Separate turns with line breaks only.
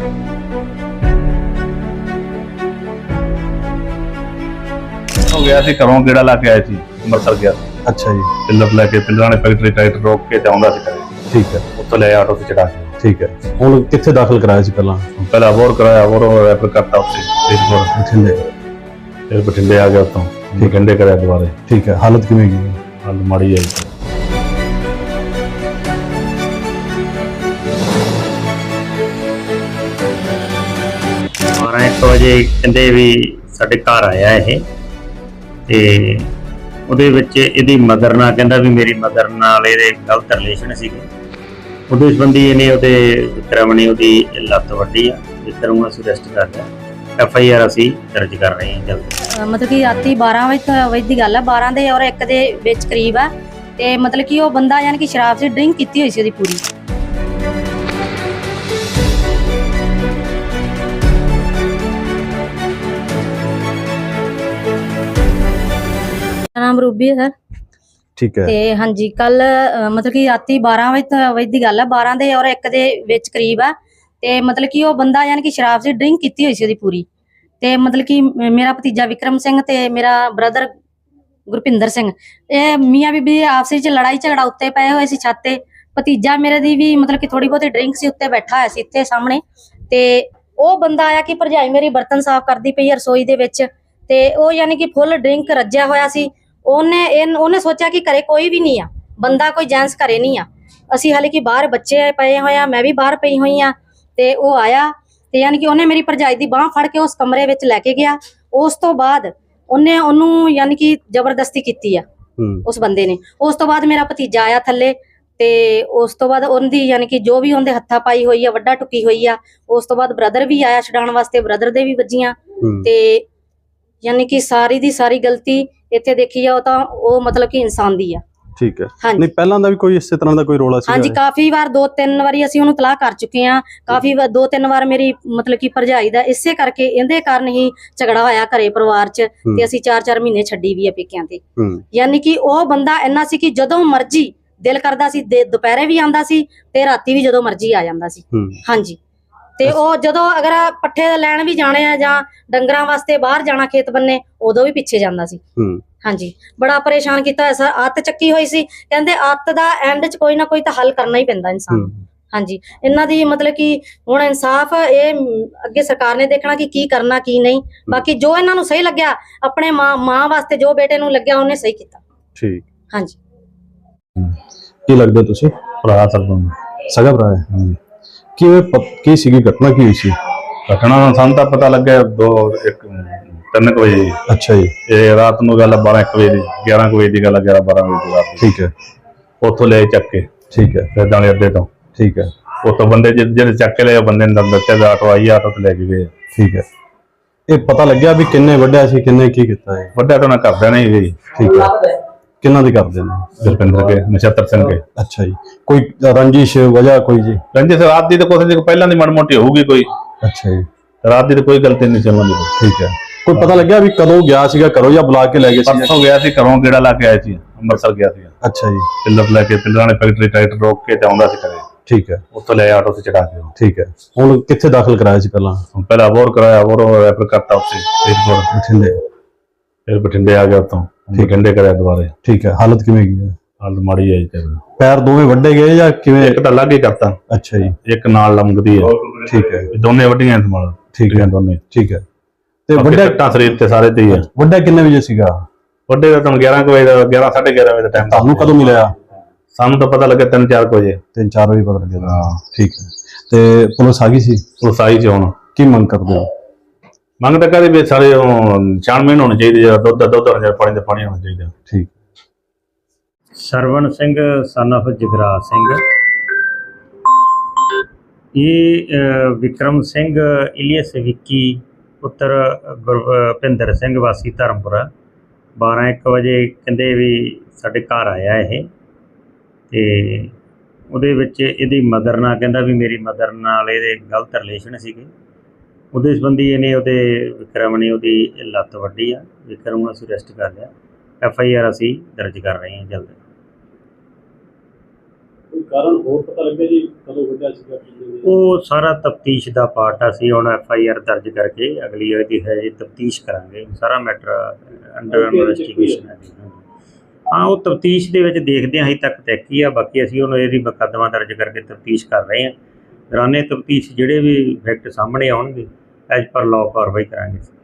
हो गया सी घरों गेड़ा ला के आए सी अंमृतसर गया सी।
अच्छा जी।
पिलर लैके पिलर ने फैक्ट्री टाइट रोक के ते आउंदा सी घरे।
ठीक है।
उत्थों ले आटो से चढ़ा के।
ठीक है। हुण कित्थे दाखिल कराया सी पहला?
पहला अबोहर कराया, अबोहर रैफर करता उत्थे फरीदकोट,
बठिंडे।
फिर बठिंडे आ गया उत्थों बठिंडे कराया दोबारे।
ठीक है। हालत किवें गी?
हालत माड़ी है जी।
12-1 ਵਜੇ ਕਹਿੰਦੇ ਵੀ ਸਾਡੇ ਘਰ ਆਇਆ ਇਹ ਤੇ ਉਹਦੇ ਵਿੱਚ ਇਹਦੀ ਮਦਰ ਨਾਲ ਕਹਿੰਦਾ ਵੀ ਮੇਰੀ ਮਦਰ ਨਾਲ ਇਹਦੇ ਗਲਤ ਰਿਲੇਸ਼ਨ ਸੀਗੇ। ਉਹਦੇ ਸੰਬੰਧੀ ਇਹਨੇ ਉਹਦੇ ਵਿਕਰਮ ਨੇ ਉਹਦੀ ਲੱਤ ਵੱਢੀ ਆ। ਵਿਕਰਮ ਨੂੰ ਅਸੀਂ ਅਰੈਸਟ ਕਰ ਲਿਆ। FIR ਅਸੀਂ ਦਰਜ ਕਰ ਰਹੇ ਹਾਂ ਜਲਦੀ।
ਮਤਲਬ ਕਿ ਰਾਤੀ 12 ਵਜੇ ਦੀ ਗੱਲ ਹੈ, 12 ਦੇ ਔਰ 1 ਦੇ ਵਿੱਚ ਕਰੀਬ ਆ। ਤੇ ਮਤਲਬ ਕਿ ਉਹ ਬੰਦਾ ਯਾਨੀ ਕਿ ਸ਼ਰਾਬ ਦੀ ਡਰਿੰਕ ਕੀਤੀ ਹੋਈ ਸੀ ਉਹਦੀ ਪੂਰੀ। ਨਾਮ ਰੂਬੀ ਹੈ ਸਰ।
ਠੀਕ ਹੈ।
ਤੇ ਹਾਂਜੀ ਕੱਲ ਮਤਲਬ ਕਿ ਰਾਤੀ 12 ਵਜੇ ਦੀ ਗੱਲ ਹੈ, 12 ਦੇ ਔਰ 1 ਦੇ ਵਿੱਚ ਕਰੀਬ ਆ। ਤੇ ਮਤਲਬ ਕਿ ਉਹ ਬੰਦਾ ਯਾਨੀ ਕਿ ਸ਼ਰਾਬ ਦੀ ਡਰਿੰਕ ਕੀਤੀ ਹੋਈ ਸੀ ਉਹਦੀ ਪੂਰੀ। ਤੇ ਮਤਲਬ ਕਿ ਮੇਰਾ ਭਤੀਜਾ ਵਿਕਰਮ ਸਿੰਘ ਤੇ ਮੇਰਾ ਬ੍ਰਦਰ ਗੁਰਪਿੰਦਰ ਸਿੰਘ, ਇਹ ਮੀਆਂ ਬੀਬੀ ਆਪਸ ਵਿੱਚ ਲੜਾਈ ਝਗੜਾ ਉੱਤੇ ਪਏ ਹੋਏ ਸੀ ਛੱਤ ਤੇ। ਭਤੀਜਾ ਮੇਰੇ ਦੀ ਵੀ ਮਤਲਬ ਕਿ ਥੋੜੀ ਬਹੁਤੀ ਡਰਿੰਕ ਸੀ, ਉੱਤੇ ਬੈਠਾ ਹੋਇਆ ਸੀ ਇੱਥੇ ਸਾਹਮਣੇ। ਤੇ ਉਹ ਬੰਦਾ ਆਇਆ ਕਿ ਭਰਜਾਈ ਮੇਰੀ ਬਰਤਨ ਸਾਫ਼ ਕਰਦੀ ਪਈ ਰਸੋਈ ਦੇ ਵਿੱਚ, ਤੇ ਉਹ ਯਾਨੀ ਕਿ ਫੁੱਲ ਡਰਿੰਕ ਰੱਜਿਆ ਹੋਇਆ ਸੀ। ਉਹਨੇ ਸੋਚਿਆ ਕਿ ਘਰੇ ਕੋਈ ਵੀ ਨਹੀਂ ਆ, ਬੰਦਾ ਕੋਈ ਜੈਂਟਸ ਘਰੇ ਨਹੀਂ ਆ। ਅਸੀਂ ਹਾਲੇ ਕਿ ਬਾਹਰ ਬੱਚੇ ਪਏ ਹੋਏ ਆ, ਮੈਂ ਵੀ ਬਾਹਰ ਪਈ ਹੋਈ ਆ। ਤੇ ਉਹ ਆਇਆ ਤੇ ਯਾਨੀ ਕਿ ਉਹਨੇ ਮੇਰੀ ਭਰਜਾਈ ਦੀ ਬਾਂਹ ਫੜ ਕੇ ਉਸ ਕਮਰੇ ਵਿੱਚ ਲੈ ਕੇ ਗਿਆ। ਉਸ ਤੋਂ ਬਾਅਦ ਉਹਨੂੰ ਯਾਨੀ ਕਿ ਜ਼ਬਰਦਸਤੀ ਕੀਤੀ ਆ ਉਸ ਬੰਦੇ ਨੇ। ਉਸ ਤੋਂ ਬਾਅਦ ਮੇਰਾ ਭਤੀਜਾ ਆਇਆ ਥੱਲੇ, ਤੇ ਉਸ ਤੋਂ ਬਾਅਦ ਉਹਦੀ ਯਾਨੀ ਕਿ ਜੋ ਵੀ ਉਹਦੇ ਹੱਥਾਂ ਪਾਈ ਹੋਈ ਆ, ਵੱਡਾ ਟੁੱਕੀ ਹੋਈ ਆ। ਉਸ ਤੋਂ ਬਾਅਦ ਬ੍ਰਦਰ ਵੀ ਆਇਆ ਛਡਾਉਣ ਵਾਸਤੇ, ਬ੍ਰਦਰ ਦੇ ਵੀ ਵੱਜੀਆਂ। ਤੇ ਯਾਨੀ ਕਿ ਸਾਰੀ ਦੀ ਸਾਰੀ ਗਲਤੀ ਇੱਥੇ ਦੇਖੀ ਜਾਓ ਤਾਂ ਉਹ ਮਤਲਬ ਕਿ ਇਨਸਾਨ ਦੀ ਆ।
ਠੀਕ ਹੈ। ਨਹੀਂ ਪਹਿਲਾਂ ਦਾ ਵੀ ਕੋਈ ਇਸੇ ਤਰ੍ਹਾਂ ਦਾ ਕੋਈ ਰੋਲਾ ਸੀ?
ਹਾਂਜੀ ਕਾਫੀ ਵਾਰ 2-3 ਵਾਰੀ ਅਸੀਂ ਉਹਨੂੰ ਤਲਾਕ ਕਰ ਚੁੱਕੇ ਆ। ਕਾਫੀ ਵਾਰ 2-3 ਵਾਰ ਮੇਰੀ ਮਤਲਬ ਕਿ ਭਰਜਾਈ ਦਾ ਇਸੇ ਕਰਕੇ ਇਹਦੇ ਕਾਰਨ ਹੀ ਝਗੜਾ ਹੋਇਆ ਘਰੇ ਪਰਿਵਾਰ 'ਚ। ਤੇ ਅਸੀਂ 4-4 ਮਹੀਨੇ ਛੱਡੀ ਵੀ ਆ ਪੇਕਿਆਂ ਤੇ। ਯਾਨੀ ਕਿ ਉਹ ਬੰਦਾ ਇੰਨਾ ਸੀ ਕਿ ਜਦੋਂ ਮਰਜੀ ਦਿਲ ਕਰਦਾ ਸੀ ਦੁਪਹਿਰੇ ਵੀ ਆਂਦਾ ਸੀ ਤੇ ਰਾਤੀ ਵੀ ਜਦੋਂ ਮਰਜੀ ਆ ਜਾਂਦਾ ਸੀ। ਹਾਂਜੀ। ਤੇ ਉਹ ਜਦੋਂ ਅਗਰ ਪੱਠੇ ਲੈਣ ਵੀ ਜਾਣੇ ਆ ਜਾਂ ਡੰਗਰਾਂ ਵਾਸਤੇ ਬਾਹਰ ਜਾਣਾ ਖੇਤ ਬੰਨੇ, ਉਦੋਂ ਵੀ ਪਿੱਛੇ ਜਾਂਦਾ ਸੀ। ਹਾਂਜੀ ਬੜਾ ਪਰੇਸ਼ਾਨ ਕੀਤਾ ਸਰ। ਅੱਤ ਚੱਕੀ ਹੋਈ ਸੀ। ਕਹਿੰਦੇ ਅੱਤ ਦਾ ਐਂਡ 'ਚ ਕੋਈ ਨਾ ਕੋਈ ਤਾਂ ਹੱਲ ਕਰਨਾ ਹੀ ਪੈਂਦਾ ਇਨਸਾਨ। ਹਾਂਜੀ ਇਹਨਾਂ ਦੀ ਮਤਲਬ ਕਿ ਹੁਣ ਇਨਸਾਫ ਇਹ ਅੱਗੇ ਸਰਕਾਰ ਨੇ ਦੇਖਣਾ ਕਿ ਕੀ ਕਰਨਾ ਕੀ ਨਹੀਂ। ਬਾਕੀ ਜੋ ਇਹਨਾਂ ਨੂੰ ਸਹੀ ਲੱਗਿਆ, ਆਪਣੇ ਮਾਂ ਵਾਸਤੇ ਜੋ ਬੇਟੇ ਨੂੰ ਲੱਗਿਆ ਉਹਨੇ ਸਹੀ ਕੀਤਾ।
ਠੀਕ।
ਹਾਂਜੀ।
ਕੀ ਲੱਗਦਾ ਤੁਸੀਂ?
ਭਰਾ ਸਰਪੰਚ
ਸਗਾ ਭਰਾ ਹੈ? ਹਾਂਜੀ। ਕੀ ਸੀਗੀ ਘਟਨਾ, ਕੀ ਹੋਈ ਸੀ?
घटना ਸਾਨੂੰ ਤਾਂ ਪਤਾ ਲੱਗਿਆ 3 ਵਜੇ।
ਅੱਛਾ ਜੀ।
ਇਹ ਰਾਤ ਨੂੰ ਗੱਲ 12-1 ਵਜੇ ਦੀ, 11 ਵਜੇ ਦੀ ਗੱਲ, 11-12 ਵਜੇ ਦੀ ਰਾਤ।
ਠੀਕ ਹੈ।
ਉੱਥੋਂ ਲੈ ਚੱਕ ਕੇ।
ਠੀਕ ਹੈ।
ਫਿਰ ਦਾਣੇ ਅੱਡੇ ਤੋਂ।
ਠੀਕ ਹੈ।
ਉੱਥੋਂ ਬੰਦੇ ਜਿਹੜੇ ਚੱਕ ਕੇ ਲਏ, ਬੰਦੇ ਨੇ ਦੱਸਿਆ ਦਾ ਆਟੋ ਆਈ, ਆਟੋ ਤੇ ਲੈ ਕੇ ਗਏ।
ਠੀਕ ਹੈ। ਇਹ ਪਤਾ ਲੱਗਿਆ ਵੀ ਕਿੰਨੇ ਵੱਢਿਆ ਸੀ, ਕਿੰਨੇ ਕੀ ਕੀਤਾ ਹੈ?
ਵੱਡਾ ਤਾਂ ਨਾ ਕਰਦਿਆ ਨਹੀਂ ਗਈ।
ਠੀਕ ਹੈ। ਕਿੰਨਾ ਦੀ ਕਰਦੇ ਨੇ?
ਜਸਪਿੰਦਰ ਕੇ, ਨਛੱਤਰ ਸਿੰਘ ਕੇ।
ਅੱਛਾ ਜੀ। ਕੋਈ ਰੰਜਿਸ਼ ਵਜ੍ਹਾ ਕੋਈ ਜੀ?
ਰੰਜਿਸ਼ ਰਾਤ ਦੀ ਤਾਂ ਕੁਛ ਨਹੀਂ, ਪਹਿਲਾਂ ਦੀ ਮਾੜੀ ਮੋਟੀ ਹੋਊਗੀ ਕੋਈ।
ਅੱਛਾ ਜੀ।
ਰਾਤ ਦੀ ਤਾਂ ਕੋਈ ਗਲਤੀ ਨਹੀਂ ਚੱਲਣ ਦੀ।
ਠੀਕ ਹੈ। ਕੋਈ ਪਤਾ ਲੱਗਿਆ ਵੀ ਕਦੋਂ ਗਿਆ ਸੀਗਾ ਘਰੋਂ ਜਾਂ ਬੁਲਾ ਕੇ ਲੈ ਗਏ ਸੀ?
ਪਰਸੋਂ ਗਿਆ ਸੀ ਘਰੋਂ ਗੇੜਾ ਲਾ ਕੇ ਆਏ ਸੀ, ਅੰਮ੍ਰਿਤਸਰ ਗਿਆ ਸੀ।
ਅੱਛਾ ਜੀ।
ਪਿਲਰ ਲੈ ਕੇ ਪਿਲਰਾਂ ਨੇ ਫੈਕਟਰੀ ਟਾਈਟ ਰੋਕ ਕੇ ਤੇ ਆਉਂਦਾ ਸੀ ਘਰੇ।
ਠੀਕ ਹੈ।
ਉੱਥੋਂ ਲੈ ਆਟੋ ਤੇ ਚੜਾ ਕੇ।
ਠੀਕ ਹੈ। ਹੁਣ ਕਿੱਥੇ ਦਾਖਲ ਕਰਾਇਆ ਸੀ ਪਹਿਲਾਂ?
ਪਹਿਲਾ ਅਬੋਹਰ ਕਰਾਇਆ, ਅਬੋਹਰ ਰੈਫਰ ਕਰਤਾ ਉੱਥੇ ਫਰੀਦਕੋਟ,
ਬਠਿੰਡੇ।
ਫਿਰ ਬਠਿੰਡੇ ਆ ਗਿਆ ਉੱਥੋਂ ਬਠਿੰਡੇ ਕਰਾਇਆ ਦੁਬਾਰੇ।
ਠੀਕ ਹੈ। ਹਾਲਤ ਕਿਵੇਂ ਗਈ ਹੈ?
ਹਾਲਤ ਮਾੜੀ ਹੈ ਜੀ।
ਪੈਰ ਦੋਵੇਂ ਵੱਡੇ ਗਏ ਜਾਂ ਕਿਵੇਂ?
ਇੱਕ ਤਾਂ ਲੱਗ ਹੀ ਕਰਤਾ।
ਅੱਛਾ ਜੀ।
ਇੱਕ ਨਾਲ ਲੰਮਕਦੀ ਹੈ।
ਠੀਕ ਹੈ।
ਦੋਨੇ ਵੱਡੀਆਂ ਸੰਭਾਲ।
ਠੀਕ ਹੈ।
ਦੋਨੇ।
ਠੀਕ ਹੈ। ਤੇ
ਵੱਡੇ ਟੱਟਾਂ ਸਰੀਰ ਤੇ ਸਾਰੇ ਤੇ ਹੀ ਹੈ।
ਵੱਡਾ ਕਿੰਨੇ ਵਜੇ ਸੀਗਾ?
ਵੱਡੇ ਦਾ ਤੁਹਾਨੂੰ 11 ਵਜੇ ਦਾ, 11-11:30 ਵਜੇ ਦਾ ਟਾਈਮ।
ਤੁਹਾਨੂੰ ਕਦੋਂ ਮਿਲਿਆ?
ਸਾਨੂੰ ਤਾਂ ਪਤਾ ਲੱਗਿਆ 3-4 ਵਜੇ।
3-4 ਵਜੇ ਪਤਾ ਲੱਗਿਆ।
ਹਾਂ।
ਠੀਕ ਹੈ। ਤੇ ਪੁਲਿਸ ਆ ਗਈ ਸੀ?
ਪੁਲਿਸ ਆਈ ਚ ਹੁਣ
ਕੀ ਮੰਗ ਕਰਦੇ ਹੋ?
ਮੰਗ ਤਾਂ ਕਹਦੇ ਵੀ ਸਾਰੇ ਛਾਣਬੀਣ ਹੋਣੀ ਚਾਹੀਦੀ ਹੈ, ਦੁੱਧ ਹੋਣਾ ਚਾਹੀਦਾ, ਪਾਣੀ ਦਾ ਪਾਣੀ ਹੋਣਾ ਚਾਹੀਦਾ।
ਠੀਕ।
ਸਰਵਣ ਸਿੰਘ son of ਜਗਰਾਜ ਸਿੰਘ। ਇਹ ਵਿਕਰਮ ਸਿੰਘ ਇਲੀਅਸ ਵਿੱਕੀ ਪੁੱਤਰ ਗੁਰਪਿੰਦਰ ਸਿੰਘ ਵਾਸੀ ਧਰਮਪੁਰਾ 12-1 ਵਜੇ ਕਹਿੰਦੇ ਵੀ ਸਾਡੇ ਘਰ ਆਇਆ ਇਹ। ਤੇ ਉਹਦੇ ਵਿੱਚ ਇਹਦੀ ਮਦਰ ਨਾਲ ਕਹਿੰਦਾ ਵੀ ਮੇਰੀ ਮਦਰ ਨਾਲ ਇਹਦੇ ਗਲਤ ਰਿਲੇਸ਼ਨ ਸੀਗੇ। ਉਹਦੇ ਸੰਬੰਧੀ ਇਹਨੇ ਵਿਕਰਮ ਨੇ ਉਹਦੀ ਲੱਤ ਵੱਢੀ ਆ। ਵਿਕਰਮ ਨੂੰ ਅਸੀਂ ਅਰੈਸਟ ਕਰ ਲਿਆ। FIR ਅਸੀਂ ਦਰਜ ਕਰ ਰਹੇ ਹਾਂ ਜਲਦ।
ਕੋਈ ਕਾਰਨ ਹੋਰ ਪਤਾ ਲੱਗਿਆ ਜੀ ਕਦੋਂ ਵੱਢਿਆ ਸੀਗਾ ਕੀ?
ਉਹ ਸਾਰਾ ਤਫਤੀਸ਼ ਦਾ ਪਾਰਟ ਆ, ਅਸੀਂ ਹੁਣ FIR ਦਰਜ ਕਰਕੇ ਅਗਲੀ ਇਹਦੀ ਹੈ ਜੀ ਤਫਤੀਸ਼ ਕਰਾਂਗੇ। ਸਾਰਾ ਮੈਟਰ ਅੰਡਰ ਇਨਵੈਸਟੀਗੇਸ਼ਨ ਹੈ ਜੀ। ਹਾਂ, ਉਹ ਤਫਤੀਸ਼ ਦੇ ਵਿੱਚ ਦੇਖਦੇ ਹਾਂ, ਅਜੇ ਤੱਕ ਤਹਿਕੀ ਆ, ਬਾਕੀ ਅਸੀਂ ਹੁਣ ਇਹਦੀ ਮੁਕੱਦਮਾ ਦਰਜ ਕਰਕੇ ਤਫਤੀਸ਼ ਕਰ ਰਹੇ ਹਾਂ। ਦੌਰਾਨੇ ਤਫਤੀਸ਼ ਜਿਹੜੇ ਵੀ ਫੈਕਟ ਸਾਹਮਣੇ ਆਉਣਗੇ ਐਜ਼ ਪਰ ਲਾਅ ਕਾਰਵਾਈ ਕਰਾਂਗੇ।